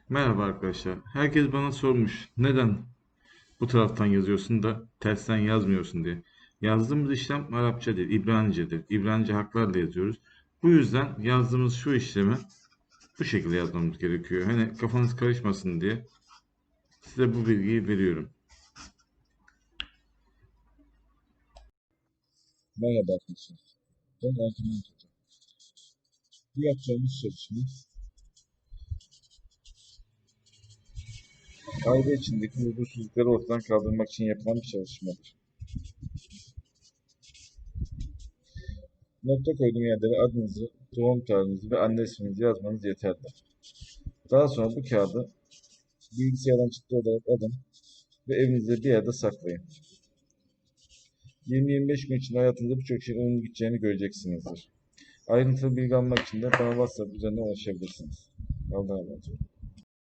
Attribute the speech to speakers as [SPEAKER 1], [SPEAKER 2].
[SPEAKER 1] Merhaba arkadaşlar. Herkes bana sormuş. Neden bu taraftan yazıyorsun da tersten yazmıyorsun diye. Yazdığımız işlem Arapça değil, İbranice'dir. İbranice harflerle yazıyoruz. Bu yüzden yazdığımız şu işlemi bu şekilde yazmamız gerekiyor. Hani kafanız karışmasın diye size bu bilgiyi veriyorum.
[SPEAKER 2] Merhaba arkadaşlar. Ben Ercüment Hoca. Bu yapacağımız çalışma aile içindeki huzursuzlukları ortadan kaldırmak için yapılan bir çalışmadır. Nokta koyduğum yerlere adınızı, doğum tarihinizi ve anne isminizi yazmanız yeterli. Daha sonra bu kağıdı bilgisayardan çıktı olarak alın ve evinizde bir yerde saklayın. 20-25 gün içinde hayatınızda birçok şeyin olumlu gideceğini göreceksinizdir. Ayrıntılı bilgi almak için de bana WhatsApp üzerinden ulaşabilirsiniz. Allah'a emanet olun.